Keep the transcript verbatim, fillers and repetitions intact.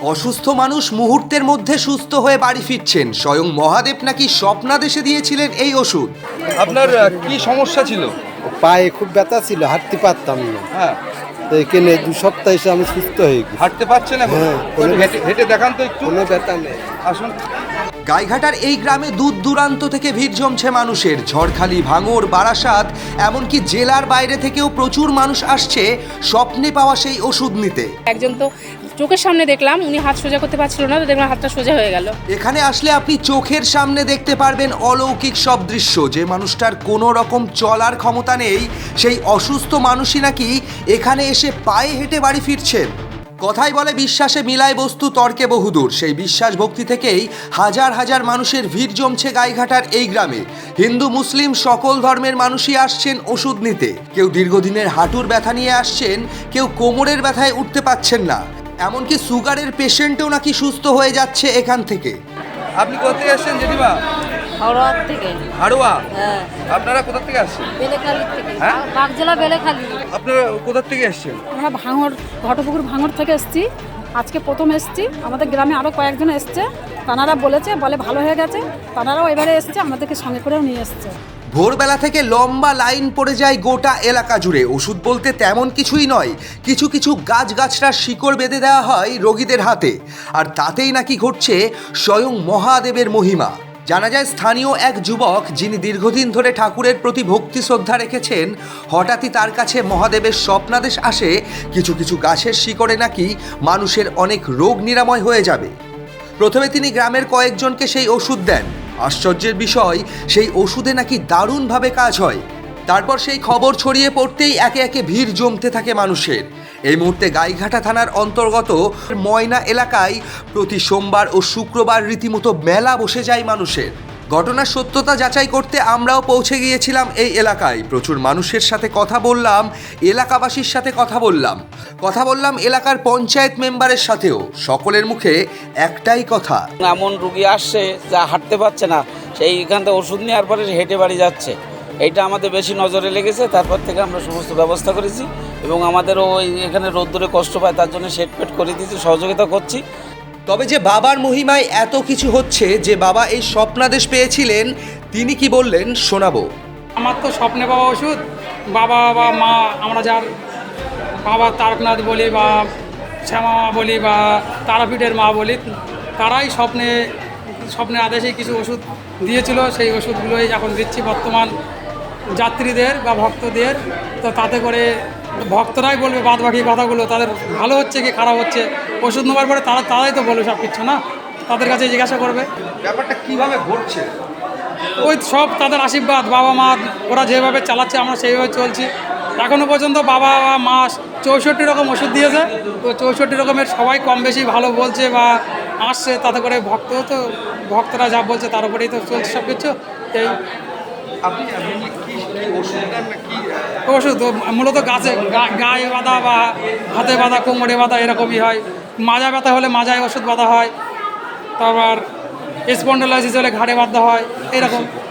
অসুস্থ মানুষ মুহূর্তের মধ্যে সুস্থ হয়ে বাড়ি ফিরছেন। স্বয়ং মহাদেব নাকি স্বপ্নাদেশে দিয়েছিলেন এই ওষুধ। আপনার কি সমস্যা ছিল? পায়ে খুব ব্যথা ছিল, হাঁটতে পারতাম না। হ্যাঁ, তো এখানে দু সপ্তাহ এসে আমি সুস্থ হয়ে গেছি। হাঁটতে পারছেন এখন? হ্যাঁ, তো হেঁটে হেঁটে দেখান তো একটু। কোনো ব্যথা নেই। আসুন। গাইঘাটার এই গ্রামে দূর দূরান্ত থেকে ভিড় জমছে মানুষের। ঝড়খালি, ভাঙড়, বারাসাত, এমনকি জেলার বাইরে থেকেও প্রচুর মানুষ আসছে স্বপ্নে পাওয়া সেই ওষুধ নিতে। একজন তো চোখের সামনে দেখলাম, উনি হাত সোজা করতে পারছিল না, তো দেখলাম হাতটা সোজা হয়ে গেল। এখানে আসলে আপনি চোখের সামনে দেখতে পারবেন অলৌকিক সব দৃশ্য। যে মানুষটার কোনো রকম চলার ক্ষমতা নেই, সেই অসুস্থ মানুষই নাকি এখানে এসে পায়ে হেঁটে বাড়ি ফিরছেন। কথাই বলে বিশ্বাসে মিলায় বস্তু, তর্কে বহুদূর। সেই বিশ্বাস ভক্তি থেকেই হাজার হাজার মানুষের ভিড় জমছে গাইঘাটার এই গ্রামে। হিন্দু মুসলিম সকল ধর্মের মানুষই আসছেন ওষুধ নিতে। কেউ দীর্ঘদিনের হাঁটুর ব্যথা নিয়ে আসছেন, কেউ কোমরের ব্যথায় উঠতে পারছেন না, এমনকি সুগারের পেশেন্টও নাকি সুস্থ হয়ে যাচ্ছে এখান থেকে। আপনি কোথা থেকে আসছেন জেঠিমা? হাওড়া থেকে। হাড়োয়া? হ্যাঁ, আপনারা কোথা থেকে আসছেন? বেলেখালি থেকে। হ্যাঁ? বাগজেলা বেলেখালি। আপনারা কোথা থেকে আসছেন? আমরা ভাঙড়, ঘটপুকুর ভাঙড় থেকে এসেছি। আজকে প্রথম এসেছি। আমাদের গ্রামে আরও কয়েকজন এসছে, তানারা বলেছে, বলে ভালো হয়ে গেছে। তানারাও এবারে এসেছে, আমাদেরকে সঙ্গে করেও নিয়ে এসছে। ভোরবেলা থেকে লম্বা লাইন পড়ে যায় গোটা এলাকা জুড়ে। ওষুধ বলতে তেমন কিছুই নয়, কিছু কিছু গাছগাছড়ার শিকড় বেঁধে দেওয়া হয় রোগীদের হাতে, আর তাতেই নাকি ঘটছে স্বয়ং মহাদেবের মহিমা। জানা যায় স্থানীয় এক যুবক, যিনি দীর্ঘদিন ধরে ঠাকুরের প্রতি ভক্তি শ্রদ্ধা রেখেছেন, হঠাৎই তার কাছে মহাদেবের স্বপ্নাদেশ আসে কিছু কিছু গাছের শিকড়ে নাকি মানুষের অনেক রোগ নিরাময় হয়ে যাবে। প্রথমে তিনি গ্রামের কয়েকজনকে সেই ওষুধ দেন। আশ্চর্যের বিষয়, সেই ওষুধে নাকি দারুণভাবে কাজ হয়। তারপর সেই খবর ছড়িয়ে পড়তেই একে একে ভিড় জমতে থাকে মানুষের। এই মুহূর্তে গাইঘাটা থানার অন্তর্গত ময়না এলাকায় প্রতি সোমবার ও শুক্রবার রীতিমতো মেলা বসে যায় মানুষের। ঘটনার সত্যতা যাচাই করতে আমরাও পৌঁছে গিয়েছিলাম এই এলাকায়। প্রচুর মানুষের সাথে কথা বললাম, এলাকাবাসীর সাথে কথা বললাম, কথা বললাম এলাকার পঞ্চায়েত মেম্বারের সাথেও। সকলের মুখে একটাই কথা, এমন রুগী আসছে যা হাঁটতে পারছে না, সেই এখান থেকে ওষুধ নেওয়ার পরে হেঁটে বাড়ি যাচ্ছে। এইটা আমাদের বেশি নজরে লেগেছে। তারপর থেকে আমরা সমস্ত ব্যবস্থা করেছি এবং আমাদেরও ওই এখানে রোদ্দুরে কষ্ট পায়, তার জন্য সেট পেট করে দিয়েছি, সহযোগিতা করছি। তবে যে বাবার মহিমায় এত কিছু হচ্ছে, যে বাবা এই স্বপ্নাদেশ পেয়েছিলেন, তিনি কি বললেন শোনাবো। আমার তো স্বপ্নে পাওয়া ওষুধ, বাবা বা মা, আমরা যার বাবা তারকনাথ বলি বা শ্যামা মা বলি বা তারাপীঠের মা বলি, তারাই স্বপ্নে স্বপ্নের আদেশে কিছু ওষুধ দিয়েছিল। সেই ওষুধগুলোই এখন দিচ্ছি বর্তমান যাত্রীদের বা ভক্তদের। তো তাতে করে ভক্তরাই বলবে বাদ বাকি কথাগুলো, তাদের ভালো হচ্ছে কি খারাপ হচ্ছে ওষুধ নেওয়ার পরে তারা তারাই তো বলবে সব কিছু, না? তাদের কাছে জিজ্ঞাসা করবে ব্যাপারটা কিভাবে ঘটছে? ওই সব তাদের আশীর্বাদ, বাবা মা ওরা যেভাবে চালাচ্ছে আমরা সেইভাবে চলছি। এখনও পর্যন্ত বাবা বা মা চৌষট্টি রকম ওষুধ দিয়েছে। তো চৌষট্টি রকমের সবাই কম বেশি ভালো বলছে বা আসছে, তাতে করে ভক্ত তো ভক্তরা যা বলছে তার উপরেই তো চলছে সব কিছু। এই আপনি কি ওষুধ দেন না কি? ওষুধ মূলত গাছে গায়ে বাঁধা বা হাতে বাঁধা, কোমরে বাঁধা, এরকমই হয়। মাজা ব্যথা হলে মাজায় ওষুধ বাঁধা হয়, তারপর স্পন্ডালাইসিস হলে ঘাড়ে বাঁধা হয়, এরকম।